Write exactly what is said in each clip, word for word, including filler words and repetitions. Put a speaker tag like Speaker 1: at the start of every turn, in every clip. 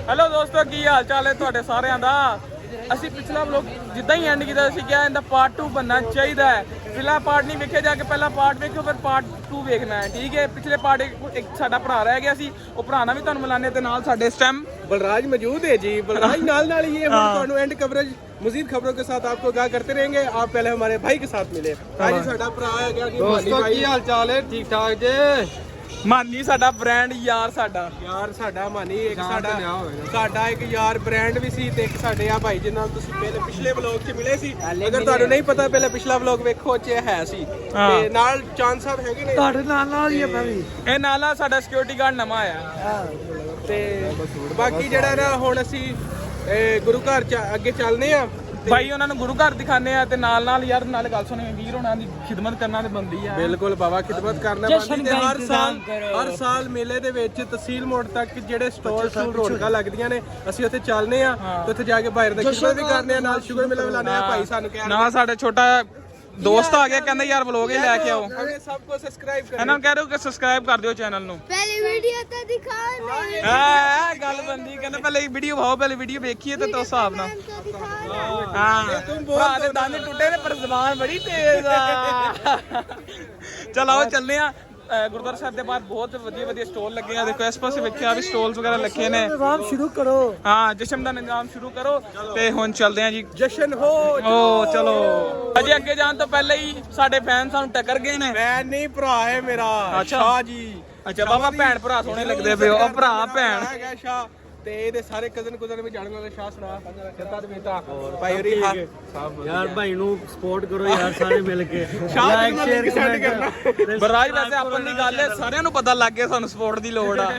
Speaker 1: Hello ਦੋਸਤੋ, ਕੀ ਹਾਲ ਚਾਲ ਹੈ ਤੁਹਾਡੇ ਸਾਰਿਆਂ ਦਾ। ਅਸੀਂ ਪਿਛਲਾ ਵਲੋਗ ਜਿੱਦਾਂ ਹੀ ਐਂਡ ਕੀਤਾ ਸੀ ਕਿਹਾ ਇਹਦਾ ਪਾਰਟ ਟੂ ਬਣਨਾ ਚਾਹੀਦਾ ਹੈ। ਪਹਿਲਾ ਪਾਰਟ ਨਹੀਂ ਵੇਖਿਆ ਜਾ ਕੇ ਪਹਿਲਾ ਪਾਰਟ ਵੇਖੋ ਫਿਰ ਪਾਰਟ ਟੂ ਵੇਖਣਾ ਹੈ, ਠੀਕ ਹੈ। ਪਿਛਲੇ ਪਾर्ट एक, एक ਸਾਡਾ ਭਰਾ ਰਹਿ ਗਿਆ ਸੀ, ਉਹ ਭਰਾ ਨਾਲ ਵੀ ਤੁਹਾਨੂੰ ਮਿਲਾਨੇ ਤੇ ਨਾਲ ਸਾਡੇ ਇਸ ਟਾइम
Speaker 2: बलराज मौजूद है जी। बलराज नाल नाल ये हम एंड कवरेज मजीद खबरों के साथ आपको आगाह करते रहेंगे। आप पहले हमारे भाई के साथ मिले। आज साडा भरा है क्या कि
Speaker 3: दोस्तों की हाल चाल है? ठीक ठाक जे।
Speaker 1: ਮਾਨੀ ਸਾਡਾ ਬ੍ਰਾਂਡ ਯਾਰ ਸਾਡਾ
Speaker 2: ਯਾਰ ਸਾਡਾ ਮਾਨੀ ਇੱਕ ਸਾਡਾ ਸਾਡਾ ਇੱਕ ਯਾਰ ਬ੍ਰਾਂਡ ਵੀ ਸੀ ਤੇ ਇੱਕ ਸਾਡੇ ਆ ਭਾਈ ਜਿਹਨਾਂ ਨੂੰ ਤੁਸੀਂ ਪਹਿਲੇ ਪਿਛਲੇ ਵਲੌਗ 'ਚ ਮਿਲੇ ਸੀ। ਅਗਰ ਤੁਹਾਨੂੰ ਨਹੀਂ ਪਤਾ ਪਹਿਲੇ ਪਿਛਲਾ ਵਲੌਗ ਵੇਖੋ 'ਚ ਹੈ ਸੀ ਤੇ ਨਾਲ ਚਾਂਦ ਸਾਹਿਬ ਹੈਗੇ ਨੇ
Speaker 3: ਤੁਹਾਡੇ ਨਾਲ ਨਾਲ ਹੀ ਆ ਮੈਂ ਵੀ।
Speaker 1: ਇਹ ਨਾਲ ਨਾਲ ਸਾਡਾ ਸਿਕਿਉਰਿਟੀ ਗਾਰਡ ਨਵਾਂ ਆਇਆ
Speaker 2: ਤੇ ਬਾਕੀ ਜਿਹੜਾ ਨਾ ਹੁਣ ਅਸੀਂ ਗੁਰੂ ਘਰ 'ਚ ਅੱਗੇ ਚੱਲਨੇ ਆ
Speaker 1: ਭਾਈ, ਉਹਨਾਂ ਨੂੰ ਗੁਰੂ ਘਰ ਦਿਖਾਣੇ ਆ ਤੇ ਨਾਲ ਨਾਲ ਯਾਰ ਨਾਲ ਗੱਲ ਸੁਣੇ ਵੀਰ ਹੋਣਾ ਦੀ ਖਿਦਮਤ ਕਰਨਾ ਤੇ ਬੰਦੀ ਆ।
Speaker 2: ਬਿਲਕੁਲ ਬਾਬਾ, ਖਿਦਮਤ ਕਰਨਾ ਬੰਦੀ ਤੇ ਹਰ ਸਾਲ ਹਰ ਸਾਲ ਮੇਲੇ ਦੇ ਵਿੱਚ ਤਹਿਸੀਲ ਮੋੜ ਤੱਕ ਜਿਹੜੇ ਸਟਾਲ ਸਟੂਲ ਰੌਣਕਾਂ ਲੱਗਦੀਆਂ ਨੇ ਅਸੀਂ ਉੱਥੇ ਚੱਲਨੇ ਆ ਤੇ ਉੱਥੇ ਜਾ ਕੇ ਬਾਹਰ ਦਾ ਖਿਦਮਤ ਵੀ ਕਰਨੇ ਆ, ਨਾਲ ਸ਼ੁਗਰ ਮਿਲਾ ਮਿਲਾਨੇ ਆ। ਭਾਈ ਸਾਨੂੰ ਕਹਿ
Speaker 1: ਨਾ ਸਾਡਾ ਛੋਟਾ ਦੋਸਤ ਆ ਗਿਆ, ਕਹਿੰਦਾ ਯਾਰ ਵਲੋਗ ਹੀ ਲੈ ਕੇ ਆਓ।
Speaker 2: ਹਮੇ ਸਭ ਕੋ ਸਬਸਕ੍ਰਾਈਬ ਕਰੋ।
Speaker 1: ਇਹਨਾਂ ਨੂੰ ਕਹਿ ਰਹੇ ਹੋ ਕਿ ਸਬਸਕ੍ਰਾਈਬ ਕਰ ਦਿਓ ਚੈਨਲ ਨੂੰ।
Speaker 4: पहले वीडियो तो दिखा नहीं
Speaker 1: ਹਾਂ ਗੱਲ ਬੰਦੀ, ਕਹਿੰਦਾ ਪਹਿਲੇ ਵੀਡੀਓ ਭਾਓ, ਪਹਿਲੇ ਵੀਡੀਓ ਵੇਖੀਏ ਤੇ ਤੋ ਹਿਸਾਬ ਨਾਲ।
Speaker 4: तो दिखा
Speaker 1: ਹਾਂ ਭਰਾ ਦੇ ਦੰਦ ਟੁੱਟੇ ਨੇ ਪਰ ਜ਼ਬਾਨ ਬੜੀ ਤੇਜ਼ ਆ। ਚਲ ਆਓ ਚੱਲਦੇ ਆ। ਗੁਰਦੁਆਰਾ ਸਾਹਿਬ ਦੇ ਬਾਹਰ ਬਹੁਤ ਵਧੀਆ ਵਧੀਆ ਸਟਾਲ ਲੱਗੇ ਆ। ਦੇਖੋ ਇਸ ਪਾਸੇ ਵੇਖਿਆ ਵੀ ਸਟਾਲਸ ਵਗੈਰਾ ਲੱਗੇ ਨੇ।
Speaker 3: ਨਿਜ਼ਾਮ ਸ਼ੁਰੂ ਕਰੋ।
Speaker 1: ਹਾਂ ਜਸ਼ਨ ਦਾ ਨਿਜ਼ਾਮ ਸ਼ੁਰੂ ਕਰੋ ਤੇ ਹੁਣ ਚੱਲਦੇ ਆ ਜੀ।
Speaker 2: ਜਸ਼ਨ ਹੋ
Speaker 1: ਓ ਚਲੋ। ਅਜੇ ਅੱਗੇ ਜਾਣ ਤੋਂ ਪਹਿਲੇ ਹੀ ਸਾਡੇ ਫੈਨ ਸਾਨੂੰ ਟੱਕਰ ਗਏ ਨੇ।
Speaker 2: ਮੈਂ ਨਹੀਂ ਭਰਾ ਹੈ ਮੇਰਾ
Speaker 1: ਅੱਛਾ।
Speaker 2: ਸ਼ਾਹ ਜੀ।
Speaker 1: ਅੱਛਾ ਬਾਬਾ, ਭੈਣ ਭਰਾ ਸੋਹਣੇ ਲੱਗਦੇ ਪਏ ਉਹ ਭਰਾ ਭੈਣ।
Speaker 2: ਹੈਗਾ ਸ਼ਾਹ ਤੇ ਇਹਦੇ ਸਾਰੇ ਕਜ਼ਨ ਕੁਜ਼ਨ ਵੀ ਜਾਣਨ ਵਾਲੇ ਸ਼ਾਹ ਸੁਣਾ ਜੱਤਾ ਤੇ ਬੇਟਾ ਭਾਈ ਹੋਰੀ ਹਾਂ
Speaker 3: ਯਾਰ ਭਾਈ ਨੂੰ ਸਪੋਰਟ ਕਰੋ ਯਾਰ ਸਾਰੇ ਮਿਲ ਕੇ।
Speaker 2: ਸ਼ਾਹ
Speaker 3: ਲਾਈਕ
Speaker 2: ਨੂੰ
Speaker 3: ਸ਼ੇਅਰ
Speaker 2: ਸੈਂਡ ਕਰਨਾ।
Speaker 1: ਬਰਾਜ ਵੈਸੇ ਆਪਨ ਦੀ ਗੱਲ ਹੈ, ਸਾਰਿਆਂ ਨੂੰ ਪਤਾ ਲੱਗ ਗਿਆ ਸਾਨੂੰ ਸਪੋਰਟ ਦੀ ਲੋੜ ਆ।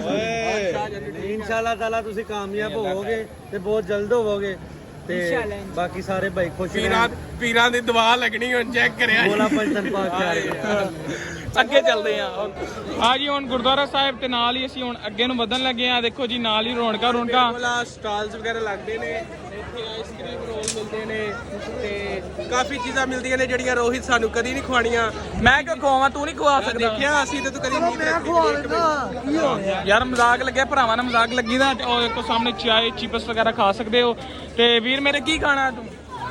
Speaker 3: ਇਨਸ਼ਾਅੱਲਾ ਤਾਲਾ ਤੁਸੀਂ ਕਾਮਯਾਬ ਹੋਵੋਗੇ ਤੇ ਬਹੁਤ ਜਲਦ ਹੋਵੋਗੇ ਤੇ ਬਾਕੀ ਸਾਰੇ ਭਾਈ ਖੁਸ਼
Speaker 2: ਪੀਰਾਂ ਪੀਰਾਂ ਦੀ ਦੁਆ ਲੱਗਣੀ ਹੁਣ ਚੈੱਕ ਕਰਿਆ
Speaker 3: ਬੋਲਾ ਪੰਜਨ ਪਾਕ ਕਰ
Speaker 1: ਅੱਗੇ ਚੱਲਦੇ ਆ। ਆ ਜੀ ਹੁਣ ਗੁਰਦੁਆਰਾ ਸਾਹਿਬ ਤੇ ਨਾਲ ਹੀ ਅਸੀਂ ਹੁਣ ਅੱਗੇ ਨੂੰ ਵਧਣ ਲੱਗੇ ਆ। ਦੇਖੋ ਜੀ ਨਾਲ ਹੀ ਰੌਣਕਾਂ ਰੌਣਕਾਂ
Speaker 2: ਕੋਲਾ ਸਟਾਲਸ ਵਗੈਰਾ ਲੱਗਦੇ ਨੇ। ਇੱਥੇ ਆਈਸਕ੍ਰੀਮ ਰੋਲ ਮਿਲਦੇ ਨੇ ਤੇ ਕਾਫੀ ਚੀਜ਼ਾਂ ਮਿਲਦੀਆਂ ਨੇ ਜਿਹੜੀਆਂ ਰੋਹਿਤ ਸਾਨੂੰ ਕਦੀ ਨਹੀਂ ਖਵਾਣੀਆਂ।
Speaker 1: ਮੈਂ ਕਿਉਂ ਖਵਾਵਾਂ, ਤੂੰ ਨਹੀਂ ਖਵਾ ਸਕਦਾ।
Speaker 2: ਦੇਖਿਆ ਅਸੀਂ ਤੇ ਤੂੰ ਕਦੀ ਨਹੀਂ
Speaker 3: ਮੈਂ ਖਵਾ ਲੈਂਦਾ ਕੀ ਹੋ ਗਿਆ
Speaker 1: ਯਾਰ ਮਜ਼ਾਕ ਲੱਗਿਆ, ਭਰਾਵਾਂ ਨਾਲ ਮਜ਼ਾਕ ਲੱਗੀ ਦਾ। ਉਹ ਦੇਖੋ ਸਾਹਮਣੇ ਚਾਏ ਚਿਪਸ ਵਗੈਰਾ ਖਾ ਸਕਦੇ ਹੋ। ਤੇ ਵੀਰ ਮੇਰੇ ਕੀ ਖਾਣਾ ਤੂੰ?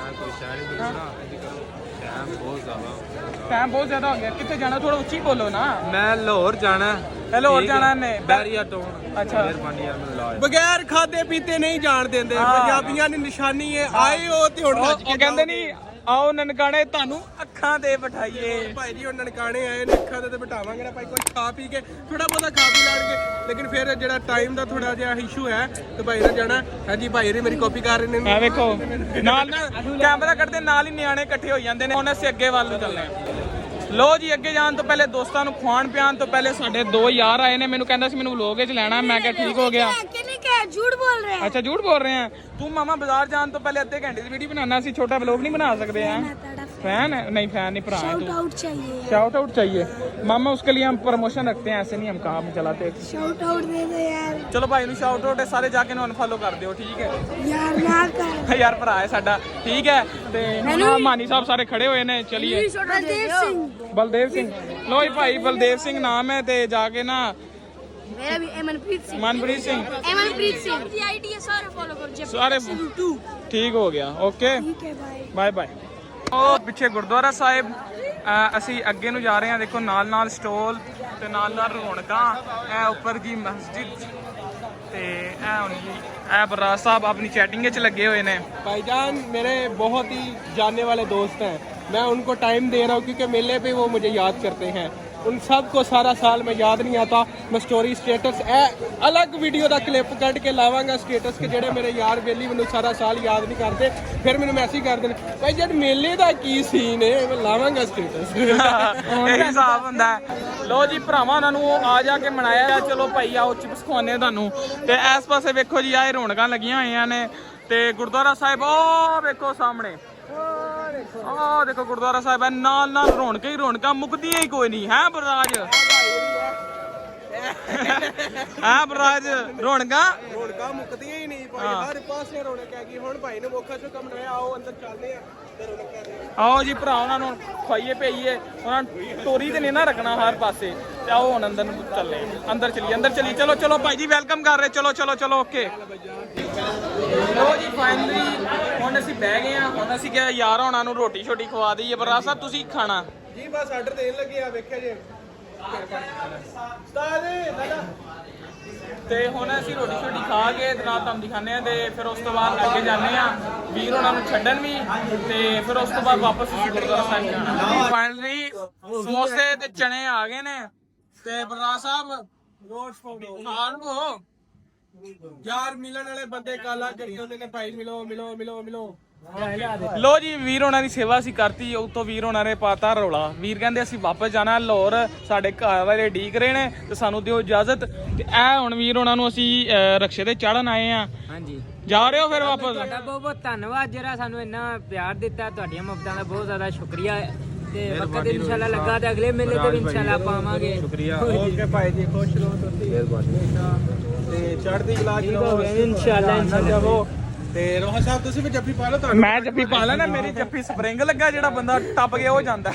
Speaker 1: ਟਾਈਮ ਬਹੁਤ ਜ਼ਿਆਦਾ ਹੋ ਗਿਆ। ਕਿੱਥੇ ਜਾਣਾ? ਥੋੜਾ ਉੱਚੀ ਬੋਲੋ ਨਾ।
Speaker 3: ਮੈਂ ਲਾਹੌਰ ਜਾਣਾ।
Speaker 1: ਲਾਹੌਰ ਜਾਣਾ ਨੇ
Speaker 3: ਬੈਰੀਆ ਤੋਂ।
Speaker 1: ਅੱਛਾ
Speaker 3: ਮਿਹਰਬਾਨੀ ਯਾਰ ਮੈਨੂੰ ਲਾ।
Speaker 2: ਬਗੈਰ ਖਾਦੇ ਪੀਤੇ ਨਹੀਂ ਜਾਣ ਦਿੰਦੇ। ਪੰਜਾਬੀਆਂ ਦੀ ਨਿਸ਼ਾਨੀ ਹੈ ਆਏ ਹੋ ਤੇ ਹੁਣ ਰੱਜ ਕੇ
Speaker 1: ਉਹ ਕਹਿੰਦੇ ਨਹੀਂ ਆਓ ਨਨਕਾਣੇ ਤੁਹਾਨੂੰ ਅੱਖਾਂ ਤੇ ਬਿਠਾਈਏ।
Speaker 2: ਭਾਈ ਜੀ ਉਹ ਨਨਕਾਣੇ ਆਏ ਨੇ, ਅੱਖਾਂ ਤੇ ਬਿਠਾਵਾਂਗੇ ਨਾ ਭਾਈ। ਕੁਝ ਖਾ ਪੀ ਕੇ ਥੋੜਾ ਬਹੁਤਾ ਖਾ ਪੀ ਲੈਣਗੇ, ਲੇਕਿਨ ਫਿਰ ਜਿਹੜਾ ਟਾਈਮ ਦਾ ਥੋੜਾ ਜਿਹਾ ਇਸ਼ੂ ਹੈ ਤੇ ਭਾਈ ਨੇ ਜਾਣਾ। ਹਾਂਜੀ ਭਾਈ ਰੇ ਮੇਰੀ ਕਾਪੀ ਕਰ ਰਹੇ ਨੇ।
Speaker 1: ਆ ਵੇਖੋ ਨਾਲ ਨਾਲ ਕੈਮਰਾ ਕੱਢਦੇ ਨਾਲ ਹੀ ਨਿਆਣੇ ਇਕੱਠੇ ਹੋ ਜਾਂਦੇ ਨੇ। ਹੁਣ ਅਸੀਂ ਅੱਗੇ ਵੱਲ ਨੂੰ ਚੱਲਦੇ ਹਾਂ। ਲੋ ਜੀ ਅੱਗੇ ਜਾਣ ਤੋਂ ਪਹਿਲੇ ਦੋਸਤਾਂ ਨੂੰ ਖਵਾਣ ਪਿਆਣ ਤੋਂ ਪਹਿਲੇ ਸਾਡੇ ਦੋ ਯਾਰ ਆਏ ਨੇ। ਮੈਨੂੰ ਕਹਿੰਦਾ ਸੀ ਮੈਨੂੰ ਵਲੋਗ 'ਚ ਲੈਣਾ। ਮੈਂ ਕਿਹਾ ਠੀਕ ਹੋ ਗਿਆ।
Speaker 4: झूठ बोल रहे हैं।
Speaker 1: ਅੱਛਾ ਝੂਠ ਬੋਲ ਰਹੇ ਆ ਤੂੰ? ਮਾਮਾ ਬਾਜ਼ਾਰ ਜਾਣ ਤੋਂ ਪਹਿਲੇ ਅੱਧੇ ਘੰਟੇ ਦੀ ਵੀਡੀਓ ਬਣਾਉਣਾ ਸੀ, ਛੋਟਾ ਵਲੋਗ नहीं बना सकते हैं। फैन है? नहीं फैन नहीं, भरा है तू।
Speaker 4: आउट चाहिए।
Speaker 1: शाउट आउट चाहिए मामा, उसके लिए हम प्रमोशन रखते हैं, ऐसे नहीं हम काम चलाते।
Speaker 4: शाउट आउट दे दो यार।
Speaker 1: चलो भाई ਨੂੰ शाउट आउट है, सारे जाके ਨੂੰ अनफॉलो कर दियो, ठीक है
Speaker 4: यार ना कर
Speaker 1: यार ਭਰਾ ਹੈ ਸਾਡਾ, ਠੀਕ ਹੈ। ਤੇ ਹੁਣ ਮਾਨੀ ਸਾਹਿਬ ਸਾਰੇ ਖੜੇ ਹੋਏ ਨੇ। ਚਲਿਏ
Speaker 4: बलदेव सिंह।
Speaker 1: ਬਲਦੇਵ ਸਿੰਘ। ਲੋ ਜੀ ਭਾਈ ਬਲਦੇਵ ਸਿੰਘ ਨਾਮ ਹੈ ਤੇ ਜਾ ਕੇ ਨਾ
Speaker 4: मेरा भी एमनप्रीत सिंह।
Speaker 1: ਮਨਪ੍ਰੀਤ ਸਿੰਘ
Speaker 4: एमनप्रीत सिंह की आईडी है, सारे फॉलो करो।
Speaker 1: ਸਾਰੇ ਠੀਕ ਹੋ ਗਿਆ। ਓਕੇ
Speaker 4: ठीक है भाई।
Speaker 1: Bye bye. ਉਹ ਪਿੱਛੇ ਗੁਰਦੁਆਰਾ ਸਾਹਿਬ, ਅ, ਅਸੀਂ ਅੱਗੇ ਨੂੰ ਜਾ ਰਹੇ ਹਾਂ। ਦੇਖੋ ਨਾਲ ਨਾਲ ਸਟਾਲ ਤੇ ਨਾਲ ਨਾਲ ਰੌਣਕਾਂ। ਇਹ ਉੱਪਰ ਜੀ ਮਸਜਿਦ ਤੇ ਇਹ ਹੁਣ ਜੀ ਇਹ ਬਰਾੜ ਸਾਹਿਬ ਆਪਣੀ ਚੈਟਿੰਗ ਵਿੱਚ ਲੱਗੇ ਹੋਏ ਨੇ।
Speaker 2: भाईजान मेरे बहुत ही जानने वाले दोस्त हैं। मैं उनको टाइम दे रहा हूँ क्योंकि मेले पे वो मुझे याद करते हैं। उन सब को सारा साल में याद नहीं आता। मैं स्टोरी स्टेटस ए अलग वीडियो का क्लिप कट के लावांगा स्टेटस के जेड़े मेरे यार बेली मैनू सारा साल याद नहीं करते, फिर मैनू मैसेज कर देने भाई जब मेले का की सीन है मैं लावांगा स्टेटस।
Speaker 1: ਇਹ ਹਿਸਾਬ ਹੁੰਦਾ ਹੈ। ਲੋ ਜੀ ਭਰਾਵਾਂ ਉਹਨਾਂ ਨੂੰ ਆ ਜਾ ਕੇ ਮਨਾਇਆ। ਚਲੋ ਭਾਈ ਆਓ ਚਿਪਸ ਖਵਾਉਂਦੇ ਤੁਹਾਨੂੰ। ਤੇ ਇਸ ਪਾਸੇ ਵੇਖੋ ਜੀ ਆਹ ਰੌਣਕਾਂ ਲੱਗੀਆਂ ਹੋਈਆਂ ਨੇ ਤੇ ਗੁਰਦੁਆਰਾ ਸਾਹਿਬ ਉਹ ਵੇਖੋ ਸਾਹਮਣੇ। ਆਹ ਦੇਖੋ ਗੁਰਦੁਆਰਾ ਸਾਹਿਬ ਹੈ, ਨਾਲ ਨਾਲ ਰੌਣਕਾਂ ਹੀ ਰੌਣਕਾਂ, ਮੁੱਕਦੀਆਂ ਹੀ ਕੋਈ ਨਹੀਂ ਹੈ ਬਰਾਜ। ਹਾਂ ਬਰਾਜ ਰੌਣਕਾਂ
Speaker 2: ਰੌਣਕਾਂ ਮੁੱਕਦੀਆਂ ਹੀ ਨਹੀਂ ਭਾਈ, ਹਰ ਪਾਸੇ ਰੌਣਕ ਹੈਗੀ। ਹੁਣ ਭਾਈ ਨੂੰ ਮੌਕਾ ਚੋਂ ਕੰਮ ਹੋਇਆ, ਆਓ ਅੰਦਰ ਚੱਲਦੇ ਆ ਤੇ ਰੌਣਕਾਂ ਦੇ।
Speaker 1: ਆਓ ਜੀ ਭਰਾ, ਉਹਨਾਂ ਨੂੰ ਖਵਾਈਏ ਪਈਏ, ਉਹਨਾਂ ਨੂੰ ਟੋਰੀ ਤੇ ਨਹੀਂ ਨਾ ਰੱਖਣਾ ਹਰ ਪਾਸੇ। ਤੇ ਆਓ ਹੁਣ ਅੰਦਰ ਨੂੰ ਚੱਲੇ, ਅੰਦਰ ਚਲੀਏ, ਅੰਦਰ ਚਲੀਏ। ਚਲੋ ਚਲੋ ਭਾਈ ਜੀ ਵੈਲਕਮ ਕਰ ਰਹੇ, ਚਲੋ ਚਲੋ ਚਲੋ ਓਕੇ। ਲੋ ਜੀ ਫਾਈਨਲੀ ਹੁਣ ਅਸੀਂ ਬਹਿ ਗਏ ਆ। ਹੁਣ ਅਸੀਂ ਕਿਹਾ ਯਾਰ ਉਹਨਾਂ ਨੂੰ ਰੋਟੀ ਛੋਟੀ ਖਵਾ ਦਈਏ। ਬਰਾਜ ਸਾਹਿਬ ਤੁਸੀਂ ਖਾਣਾ
Speaker 2: ਜੀ ਬਸ ਆਰਡਰ ਦੇਣ ਲੱਗੇ ਆ, ਵੇਖਿਆ ਜੇ ਉਸਤਾਦ ਦਾਦਾ।
Speaker 1: ਤੇ ਹੁਣ ਅਸੀਂ ਰੋਟੀ ਛੋਟੀ ਖਾ ਕੇ ਤੇ ਨਾਲ ਤੁਹਾਨੂੰ ਦਿਖਾਉਂਦੇ ਆ, ਤੇ ਫਿਰ ਉਸ ਤੋਂ ਬਾਅਦ ਅੱਗੇ ਜਾਂਦੇ ਆ ਵੀਰ ਉਹਨਾਂ ਨੂੰ ਛੱਡਣ ਵੀ, ਤੇ ਫਿਰ ਉਸ ਤੋਂ ਬਾਅਦ ਵਾਪਸ ਅਸੀਂ ਗੁਰਦੁਆਰਾ ਸਾਹਿਬ ਜਾਣਾ। ਫਾਈਨਲੀ ਸਮੋਸੇ ਤੇ ਚਨੇ ਆ ਗਏ ਨੇ, ਤੇ ਬਰਾਜ ਸਾਹਿਬ ਖਾਣ ਕੋ
Speaker 2: ਯਾਰ ਮਿਲਣ ਵਾਲੇ ਬੰਦੇ ਕਾਲਾ ਕਰੀ ਹੁੰਦੇ ਨੇ ਭਾਈ, ਮਿਲੋ ਮਿਲੋ ਮਿਲੋ ਮਿਲੋ।
Speaker 1: ਲੋ ਜੀ ਵੀਰ ਉਹਨਾਂ ਦੀ ਸੇਵਾ ਅਸੀਂ ਕਰਤੀ, ਉਤੋਂ ਵੀਰ ਉਹਨਾਂ ਨੇ ਪਾਤਾ ਰੌਲਾ। ਵੀਰ ਕਹਿੰਦੇ ਅਸੀਂ ਵਾਪਸ ਜਾਣਾ ਲਾਹੌਰ, ਸਾਡੇ ਘਰ ਵਾਲੇ ਢੀਕ ਰਹੇ ਨੇ ਤੇ ਸਾਨੂੰ ਦਿਓ ਇਜਾਜ਼ਤ। ਤੇ ਇਹ ਹੁਣ ਵੀਰ ਉਹਨਾਂ ਨੂੰ ਅਸੀਂ ਰਕਸ਼ੇ ਤੇ ਚੜਨ ਆਏ ਆ।
Speaker 5: ਹਾਂਜੀ,
Speaker 1: ਜਾ ਰਹੇ ਹੋ ਫਿਰ ਵਾਪਸ?
Speaker 5: ਤੁਹਾਡਾ ਬਹੁਤ ਬਹੁਤ ਧੰਨਵਾਦ ਜਿਹੜਾ ਸਾਨੂੰ ਇੰਨਾ ਪਿਆਰ ਦਿੱਤਾ, ਤੁਹਾਡੀਆਂ ਮੁਹੱਬਤਾਂ ਦਾ ਬਹੁਤ ਜ਼ਿਆਦਾ ਸ਼ੁਕਰੀਆ। ਤੇ ਵਕਤ ਇਨਸ਼ਾਅੱਲਾ ਲੱਗਾ ਤੇ ਅਗਲੇ ਮੇਲੇ ਤੇ ਵੀ ਇਨਸ਼ਾਅੱਲਾ ਆਪਾਂ ਆਵਾਂਗੇ।
Speaker 2: ਸ਼ੁਕਰੀਆ। ਓਕੇ ਭਾਈ ਜੀ, ਖੁਸ਼ ਰਹੋ ਤੁਸੀਂ, ਮਿਹਰਬਾਨੀ। ਤੇ ਚੜ੍ਹਦੀ ਕਲਾ ਚ ਰਹੋ
Speaker 5: ਇਨਸ਼ਾਅੱਲਾ ਇਨਸ਼ਾਅੱਲਾ।
Speaker 2: ਤੇ ਰੋਹਨ ਸਾਹਿਬ ਤੁਸੀਂ ਵੀ ਜੱਫੀ ਪਾ ਲਓ। ਤੁਹਾਨੂੰ
Speaker 1: ਮੈਂ ਜੱਫੀ ਪਾ ਲੈਣਾ, ਮੇਰੀ ਜੱਫੀ ਸਪਰਿੰਗ ਲੱਗਾ, ਜਿਹੜਾ ਬੰਦਾ ਟੱਪ ਗਿਆ ਉਹ ਜਾਂਦਾ।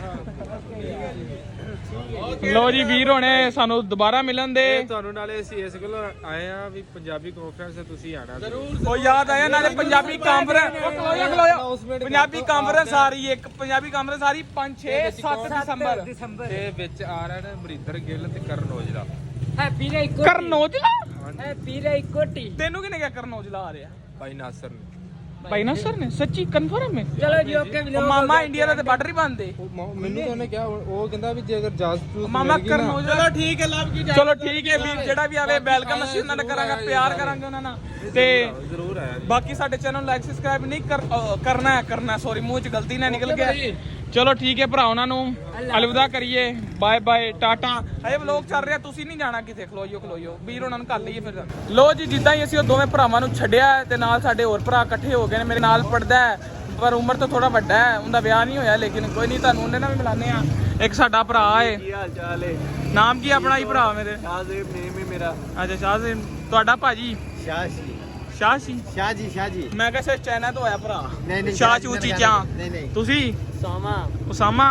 Speaker 1: ਲੋ ਜੀ ਵੀਰ ਹੋਣੇ ਸਾਨੂੰ ਦੁਬਾਰਾ ਮਿਲਣ ਦੇ।
Speaker 6: ਤੁਹਾਨੂੰ ਨਾਲੇ ਅਸੀਂ ਇਸ ਗੱਲੋਂ ਆਏ ਆ ਵੀ ਪੰਜਾਬੀ ਕਾਨਫਰੰਸ ਤੇ ਤੁਸੀਂ ਆਣਾ ਜ਼ਰੂਰ।
Speaker 1: ਉਹ ਯਾਦ ਆਇਆ ਨਾਲੇ ਪੰਜਾਬੀ ਕਾਨਫਰੰਸ, ਖਲੋਇਆ ਖਲੋਇਆ ਪੰਜਾਬੀ ਕਾਨਫਰੰਸ ਆ ਰਹੀ ਹੈ, ਇੱਕ ਪੰਜਾਬੀ ਕਾਨਫਰੰਸ ਆ ਰਹੀ ਪੰਜ ਛੇ ਸੱਤ ਦਸੰਬਰ
Speaker 5: ਦਸੰਬਰ
Speaker 6: ਤੇ ਵਿੱਚ ਆ ਰਹੇ ਨੇ ਮਰਿੰਦਰ ਗਿੱਲ ਤੇ ਕਰਨ ਔਜਲਾ।
Speaker 5: ਹੈਪੀ ਰੇ ਇੱਕੋ
Speaker 1: ਕਰਨ ਔਜਲਾ।
Speaker 5: ਹੈਪੀ ਰੇ ਇੱਕੋ ਟੀ।
Speaker 1: ਤੈਨੂੰ ਕਿਹਨੇ ਕਿਹਾ ਕਰਨ ਔਜਲਾ ਆ ਰਿਹਾ?
Speaker 6: ਭਾਈ ਨਾਸਰ ਨੇ।
Speaker 1: ਭਾਈ ਨਾਸਰ ਨੇ? ਸੱਚੀ ਕਨਫਰਮ ਹੈ?
Speaker 5: ਚਲੋ ਜੀ ਓਕੇ
Speaker 1: ਉਹ ਮਾਮਾ ਇੰਡੀਆ ਦਾ ਤੇ ਬਾਰਡਰ ਹੀ ਬੰਦੇ।
Speaker 6: ਉਹ ਮ- ਮੈਨੂੰ ਤਾਂ ਉਹਨੇ ਕਿਹਾ, ਉਹ ਕਹਿੰਦਾ ਵੀ ਜੇ ਅਗਰ ਇਜਾਜ਼ਤ
Speaker 1: ਮਾਮਾ ਕਰਨ ਔਜਲਾ।
Speaker 2: ਚਲੋ ਠੀਕ ਹੈ, ਲੱਭ ਕੀ ਜਾ।
Speaker 1: ਚਲੋ ਠੀਕ ਹੈ ਵੀਰ, ਜਿਹੜਾ ਵੀ ਆਵੇ ਵੈਲਕਮ ਅਸੀਂ ਉਹਨਾਂ ਨਾਲ ਕਰਾਂਗੇ, ਪਿਆਰ ਕਰਾਂਗੇ ਉਹਨਾਂ ਨਾਲ। ਤੇ
Speaker 6: ਜ਼ਰੂਰ ਆਇਆ ਜੀ।
Speaker 1: ਬਾਕੀ ਸਾਡੇ ਚੈਨਲ ਨੂੰ ਲਾਈਕ ਸਬਸਕ੍ਰਾਈਬ ਨਹੀਂ ਕਰ ਅਹ ਕਰਨਾ ਹੈ ਕਰਨਾ ਸੌਰੀ ਮੂੰਹ ਚ ਗਲਤੀ ਨਾ ਨਿਕਲ ਗਿਆ। ਚਲੋ ਠੀਕ ਹੈ ਭਰਾ, ਉਹਨਾਂ ਨੂੰ ਅਲਵਿਦਾ ਕਰੀਏ, ਬਾਏ ਬਾਏ ਟਾਟਾ। ਹਜੇ ਵਲੋਗ ਚੱਲ ਰਿਹਾ, ਤੁਸੀਂ ਨਹੀਂ ਜਾਣਾ ਕਿਤੇ, ਖਲੋਇਓ ਖਲੋਇਓ ਵੀਰ ਉਹਨਾਂ ਨੂੰ ਕਰ ਲਈਏ ਫਿਰ। ਲੋ ਜੀ ਜਿੱਦਾਂ ਹੀ ਅਸੀਂ ਉਹ ਦੋਵੇਂ ਭਰਾਵਾਂ ਨੂੰ ਛੱਡਿਆ ਤੇ ਨਾਲ ਸਾਡੇ ਹੋਰ ਭਰਾ ਇਕੱਠੇ ਹੋ ਗਏ ਨੇ। ਮੇਰੇ ਨਾਲ ਪੜਦਾ ਹੈ ਪਰ ਉਮਰ ਤੋਂ ਥੋੜਾ ਵੱਡਾ ਹੈ, ਉਹਦਾ ਵਿਆਹ ਨਹੀਂ ਹੋਇਆ, ਲੇਕਿਨ ਕੋਈ ਨਹੀਂ ਤੁਹਾਨੂੰ ਉਹਨੇ ਨਾਲ ਵੀ ਮਿਲਾਨੇ ਆ। ਇੱਕ ਸਾਡਾ ਭਰਾ ਹੈ,
Speaker 3: ਕੀ ਹਾਲ ਚਾਲ ਹੈ?
Speaker 1: ਨਾਮ ਕੀ ਆਪਣਾ ਹੀ ਭਰਾ ਮੇਰੇ?
Speaker 3: ਸ਼ਾਹਜ਼ੇਬ ਨੇਮ ਹੈ ਮੇਰਾ।
Speaker 1: ਅੱਛਾ ਸ਼ਾਹਜ਼ੇਬ। ਤੁਹਾਡਾ ਭਾਜੀ?
Speaker 3: ਸ਼ਾਹਜੀ
Speaker 1: ਸ਼ਾਹ ਸੀ।
Speaker 3: ਸ਼ਾਹ ਜੀ ਸ਼ਾਹ ਜੀ।
Speaker 1: ਮੈਂ ਕਿਹਾ ਸੇ ਚਾਈਨਾ ਤੋਂ ਆਇਆ ਭਰਾ।
Speaker 3: ਨਹੀਂ ਨਹੀਂ
Speaker 1: ਸ਼ਾਹ ਚੂ ਚੀਜ਼ਾਂ।
Speaker 3: ਨਹੀਂ ਨਹੀਂ
Speaker 1: ਤੁਸੀਂ?
Speaker 5: ਸੋਮਾ
Speaker 1: ਉਸਾਮਾ।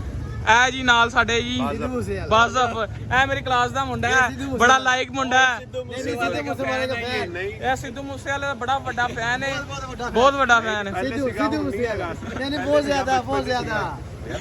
Speaker 1: ਇਹ ਜੀ ਨਾਲ ਸਾਡੇ ਜੀ
Speaker 3: ਸਿੱਧੂ ਮੂਸੇਵਾਲਾ।
Speaker 1: ਬਾਜ਼ਫ। ਇਹ ਮੇਰੀ ਕਲਾਸ ਦਾ ਮੁੰਡਾ ਹੈ, ਬੜਾ ਲਾਇਕ ਮੁੰਡਾ ਹੈ।
Speaker 3: ਨਹੀਂ ਨਹੀਂ ਸਿੱਧੂ ਮੂਸੇਵਾਲੇ ਦਾ ਫੈਨ ਨਹੀਂ।
Speaker 1: ਇਹ ਸਿੱਧੂ ਮੂਸੇਵਾਲੇ ਦਾ ਬੜਾ ਵੱਡਾ ਫੈਨ ਹੈ, ਬਹੁਤ ਵੱਡਾ ਫੈਨ ਹੈ।
Speaker 3: ਸਿੱਧੂ ਸਿੱਧੂ ਮੂਸੇਵਾਲਾ ਨਹੀਂ ਨਹੀਂ ਬਹੁਤ ਜ਼ਿਆਦਾ ਬਹੁਤ ਜ਼ਿਆਦਾ।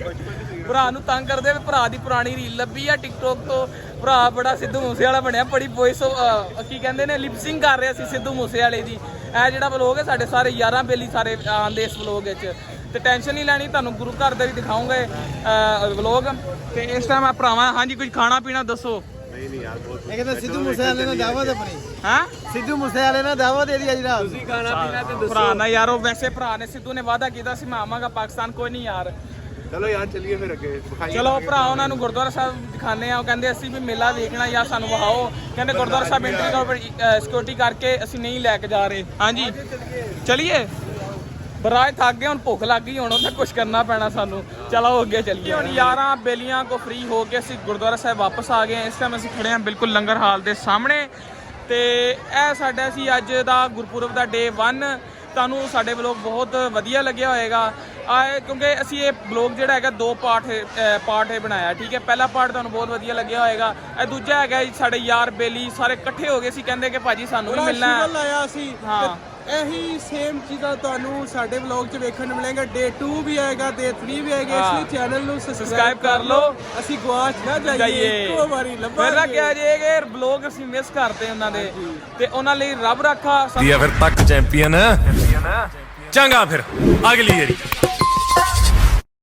Speaker 1: ਭਰਾ ਨੂੰ ਤੰਗ ਕਰਦੇ ਵੀ ਭਰਾ ਦੀ ਪੁਰਾਣੀ ਰੀਲ ਲੱਭੀ ਆ ਟਿਕਟੋਕ ਤੋਂ। ਭਰਾ ਬੜਾ ਸਿੱਧੂ ਮੂਸੇਵਾਲਾ ਬਣਿਆ, ਬੜੀ ਵੌਇਸ ਕੀ ਕਹਿੰਦੇ ਨੇ ਲਿਪਸਿੰਗ ਕਰ ਰਿਹਾ ਸੀ ਸਿੱਧੂ ਮੂਸੇਵਾਲੇ ਦੀ। ਇਹ ਜਿਹੜਾ ਵਲੋਗ ਹੈ ਸਾਡੇ ਸਾਰੇ ਯਾਰਾਂ ਬੇਲੀ ਸਾਰੇ ਆਉਂਦੇ ਇਸ ਵਲੋਗ ਵਿੱਚ। ਤੇ ਟੈਨਸ਼ਨ ਨਹੀਂ ਲੈਣੀ, ਤੁਹਾਨੂੰ ਗੁਰੂ ਘਰ ਦਾ ਵੀ ਦਿਖਾਉਂਗੇ ਵਲੋਗ। ਤੇ ਇਸ ਟਾਈਮ ਆ ਭਰਾਵਾਂ, ਹਾਂਜੀ ਕੁਝ ਖਾਣਾ ਪੀਣਾ ਦੱਸੋ।
Speaker 3: ਇਹ ਕਹਿੰਦਾ ਸਿੱਧੂ ਮੂਸੇਵਾਲੇ ਨਾਲ ਦਾਵਤ ਆਪਣੀ।
Speaker 1: ਹਾਂ
Speaker 3: ਸਿੱਧੂ ਮੂਸੇਵਾਲੇ ਨਾਲ ਦਾਵਤ ਦੇ ਦੀ ਅੱਜ ਰਾਤ। ਤੁਸੀਂ ਖਾਣਾ ਪੀਣਾ ਤੇ
Speaker 1: ਭਰਾ ਨਾ ਯਾਰ, ਉਹ ਵੈਸੇ ਭਰਾ ਨੇ ਸਿੱਧੂ ਨੇ ਵਾਅਦਾ ਕੀਤਾ ਸੀ ਮੈਂ ਆਵਾਂਗਾ ਪਾਕਿਸਤਾਨ, ਕੋਈ ਨਹੀਂ ਯਾਰ।
Speaker 6: ਚਲੋ ਯਾਰ ਚੱਲੀਏ ਫਿਰ ਅੱਗੇ।
Speaker 1: ਚਲੋ ਭਰਾ ਉਹਨਾਂ ਨੂੰ ਗੁਰਦੁਆਰਾ ਸਾਹਿਬ ਦਿਖਾਣੇ ਆ। ਉਹ ਕਹਿੰਦੇ ਅਸੀਂ ਵੀ ਮੇਲਾ ਵੇਖਣਾ ਜਾਂ ਸਾਨੂੰ ਵਹਾਓ। ਕਹਿੰਦੇ ਗੁਰਦੁਆਰਾ ਸਾਹਿਬ ਐਂਟਰੀ ਤੋਂ ਸਿਕਿਉਰਿਟੀ ਕਰਕੇ ਅਸੀਂ ਨਹੀਂ ਲੈ ਕੇ ਜਾ ਰਹੇ। ਹਾਂਜੀ ਚਲਿਏ। ਬਰਾਜ ਥੱਕ ਗਏ, ਹੁਣ ਭੁੱਖ ਲੱਗ ਗਈ, ਹੁਣ ਉਹਦਾ ਕੁਝ ਕਰਨਾ ਪੈਣਾ ਸਾਨੂੰ। ਚਲੋ ਅੱਗੇ ਚੱਲੀਏ। ਹੁਣ ਯਾਰਾਂ ਬੇਲੀਆਂ ਕੋ ਫ੍ਰੀ ਹੋ ਕੇ ਅਸੀਂ ਗੁਰਦੁਆਰਾ ਸਾਹਿਬ ਵਾਪਸ ਆ ਗਏ। ਇਸ ਟਾਈਮ ਅਸੀਂ ਖੜੇ ਹਾਂ ਬਿਲਕੁਲ ਲੰਗਰ ਹਾਲ ਦੇ ਸਾਹਮਣੇ। ਤੇ ਇਹ ਸਾਡਾ ਸੀ ਅੱਜ ਦਾ ਗੁਰਪੁਰਬ ਦਾ ਡੇ ਵਨ। ਤੁਹਾਨੂੰ ਸਾਡੇ ਵਲੋਗ ਬਹੁਤ ਵਧੀਆ ਲੱਗਿਆ ਹੋਏਗਾ ਆ, ਕਿਉਂਕਿ ਅਸੀਂ ਇਹ ਵਲੋਗ ਜਿਹੜਾ ਹੈਗਾ ਦੋ ਪਾਰਟ ਪਾਰਟ ਇਹ ਬਣਾਇਆ, ਠੀਕ ਹੈ। ਪਹਿਲਾ ਪਾਰਟ ਤੁਹਾਨੂੰ ਬਹੁਤ ਵਧੀਆ ਲੱਗਿਆ ਹੋਏਗਾ। ਇਹ ਦੂਜਾ ਹੈਗਾ ਸਾਡੇ ਯਾਰ ਬੇਲੀ ਸਾਰੇ ਇਕੱਠੇ ਹੋ ਗਏ ਸੀ, ਕਹਿੰਦੇ ਕਿ ਭਾਜੀ ਸਾਨੂੰ ਵੀ ਮਿਲਣਾ ਹੈ।
Speaker 2: ਲਾਇਆ ਸੀ।
Speaker 1: ਹਾਂ
Speaker 2: ਇਹੀ ਸੇਮ ਚੀਜ਼ਾਂ ਤੁਹਾਨੂੰ ਸਾਡੇ ਵਲੌਗ 'ਚ ਵੇਖਣ ਨੂੰ ਮਿਲੇਗਾ। ਡੇ ਟੂ ਵੀ ਆਏਗਾ, ਡੇ ਥ੍ਰੀ ਵੀ ਆਏਗਾ। ਇਸ ਲਈ ਚੈਨਲ ਨੂੰ
Speaker 1: ਸਬਸਕ੍ਰਾਈਬ ਕਰ ਲਓ,
Speaker 2: ਅਸੀਂ ਗਵਾਚ ਨਾ ਜਾਈਏ, ਇੱਕੋ ਵਾਰੀ ਲੱਭਾਂਗੇ।
Speaker 1: ਪਹਿਲਾਂ ਕਿਹਾ ਜਾਏਗਾ ਵਲੌਗ ਅਸੀਂ ਮਿਸ ਕਰਦੇ ਉਹਨਾਂ ਦੇ, ਤੇ ਉਹਨਾਂ ਲਈ ਰੱਬ ਰੱਖਾ।
Speaker 7: ਫਿਰ ਤੱਕ ਚੈਂਪੀਅਨ ਚੰਗਾ ਫਿਰ ਅਗਲੀ ਵਾਰੀ।